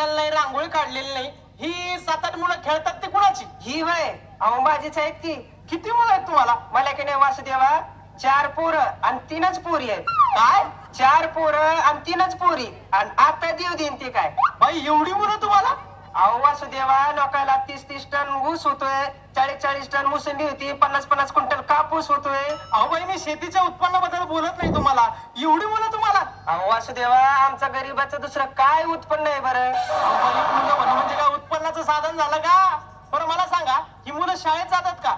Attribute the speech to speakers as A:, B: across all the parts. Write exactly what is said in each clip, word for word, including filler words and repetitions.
A: पुसलेलं नाही, रांगोळी काढलेली नाही. ही सात आठ मुलं खेळतात ते कुणाची?
B: ही वय अहो माझीच आहेत की.
A: किती मुलं आहेत तुम्हाला?
B: मला की नाही वासुदेवा चार पोरं आणि तीनच पोरी आहेत.
A: काय?
B: चार पोरं आणि तीनच पोरी आणि आता देव देईन ते काय.
A: बाई एवढी मुलं तुम्हाला?
B: अहो वासुदेवा लोकांना तीस तीस टन ऊस होतोय, चाळीस चाळीस टन मोसंबी होती, पन्नास पन्नास क्विंटल कापूस होतोय.
A: अहो बाई मी शेतीच्या उत्पन्नाबद्दल बोलत नाही तुम्हाला. एवढी मुलं तुम्हाला?
B: अहो वासुदेवा आमचा गरीबाचं दुसरं काय उत्पन्न आहे बरं?
A: अहो बाई, मुलं म्हणणं म्हणजे काय उत्पन्नाचं साधन झालं का? बरं मला सांगा, ही मुलं शाळेत जातात का?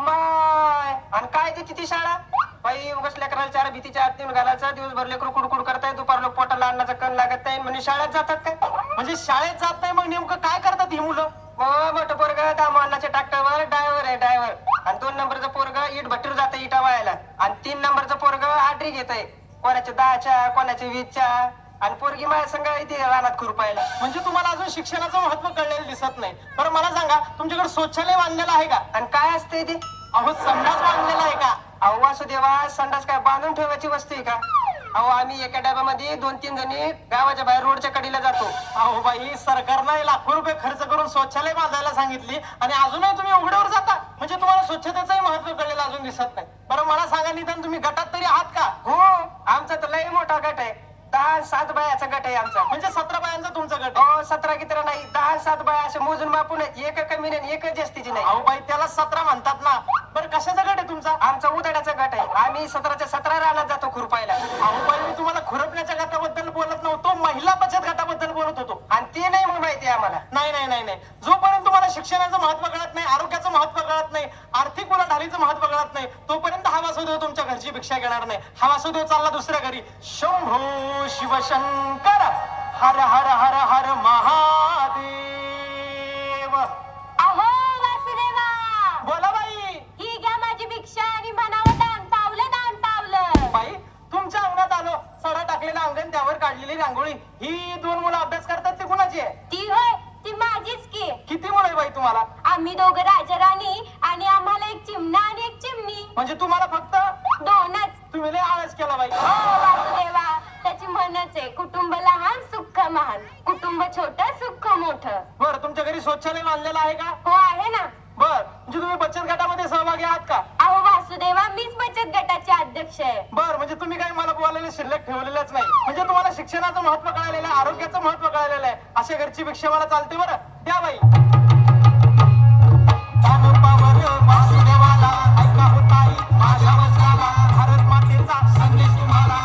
B: माय आणि काय देते ती शाळा? बाई उगाच लेकराला चार भीतीच्या आत नेऊन घालायचं, दिवसभर लेकरू कुडकुड करताय, दुपार लोक पोटाला अन्नाचा कण लागत नाही म्हणजे शाळेत जातात काय?
A: म्हणजे शाळेत जात नाही मग नेमकं काय करतात ही मुलं?
B: मग मोठं पोरग दामू अन्नाच्या ट्रॅक्टरवर ड्रायव्हर आहे ड्रायव्हर आणि दोन नंबरचं पोरग इट भट्टीवर जातं इटा वाळायला आणि तीन नंबरचं पोरग आडरी घेत आहे, कोणाच्या दहाच्या कोणाच्या वीसच्या आणि पोरगी माझ्या संग इथे रानात खुरपायला.
A: म्हणजे तुम्हाला अजून शिक्षणाचं महत्व कळलेलं दिसत नाही. बरं मला सांगा, तुमच्याकडे शौचालय बांधलेलं आहे का?
B: आणि काय असते ते?
A: अहो संडास बांधलेला आहे का?
B: अहो वासुदेवा संडास काय बांधून ठेवायची वस्तू आहे का? अहो आम्ही एका डब्यामध्ये दोन तीन जणी गावाच्या बाहेर रोडच्या कडीला जातो.
A: अहो बाई सरकारनं लाखो रुपये खर्च करून शौचालय बांधायला सांगितली आणि अजूनही तुम्ही उघड्यावर जाता. म्हणजे तुम्हाला स्वच्छतेचंही महत्व कळलेलं अजून दिसत नाही. बरं मला सांगा, निदान तुम्ही गटात तरी आहात का?
B: हो आमचा तर लई मोठा गट आहे, दहा सात बायाचा गट आहे आमचा.
A: म्हणजे सतरा बायांचा तुमचा गट आहे?
B: हो सतरा कितरा नाही, दहा सात बाया असे मोजून मापून आहेत, एक कमी नाही एक जास्तीची नाही.
A: अहो बाई त्याला सतरा म्हणतात ना. बरं कशाचा गट आहे तुमचा?
B: आमचा उदाड्याचा गट आहे, आम्ही सतराच्या सतरा रानात जातो खुरपायला.
A: अहो बाई मी तुम्हाला खुरपण्याच्या गटाबद्दल बोलत नव्हतो, महिला बचत गटाबद्दल बोलत होतो.
B: आणि ते नाही मग माहिती आम्हाला.
A: नाही नाही नाही नाही जोपर्यंत तुम्हाला शिक्षणाचं महत्व कळत नाही, आरोग्याचं महत्व कळत नाही, आर्थिक उलाढालीचं महत्व कळत नाही, तोपर्यंत हा वासुदेव तुमच्या घरची भिक्षा घेणार नाही. हा वासुदेव चालला दुसऱ्या घरी. शंभो शिवशंकर हर हर हर हर महादेव.
C: अहो वासुदेवा,
A: बोला बाई.
C: ही घ्या माझी भिक्षा आणि म्हणावं दान पावलं दान पावलं.
A: बाई तुमच्या अंगणात आलो, सडा टाकलेला अंगण, त्यावर काढलेली रांगोळी. ही दोन मुलं अभ्यास करतात ते कुणाची आहे?
C: ती होय, ती माझीच की.
A: किती मुलं आहे बाई तुम्हाला?
C: आम्ही दोघं राजा राणी आणि आम्हाला एक चिमणा आणि एक चिमणी.
A: म्हणजे तुम्हाला फक्त
C: दोनच.
A: तुम्ही लय आळस केला बाई.
C: हो वासुदेवा, त्याची म्हणच आहे, कुटुंब लहान सुख महान, कुटुंब छोट सुख मोठं.
A: बर तुमच्या घरी शौचालय बांधलेलं आहे का?
C: हो आहे ना.
A: बर म्हणजे तुम्ही बचत गटामध्ये सहभागी आहात का?
C: अहो वासुदेवा, मीच बचत गटाचे अध्यक्ष आहे.
A: बर म्हणजे तुम्ही काही मला बोलायला शिल्लक ठेवलेलंच नाही. म्हणजे तुम्हाला शिक्षणाचं महत्व कळालेलं आहे, आरोग्याचं महत्व कळालेलं आहे. अशा घरची भिक्षा मला चालते. बरं द्या बाई. वासुदेवाला ऐका होताई माझ्या वचनाला, भारत मातेचा संदेश तुम्हाला.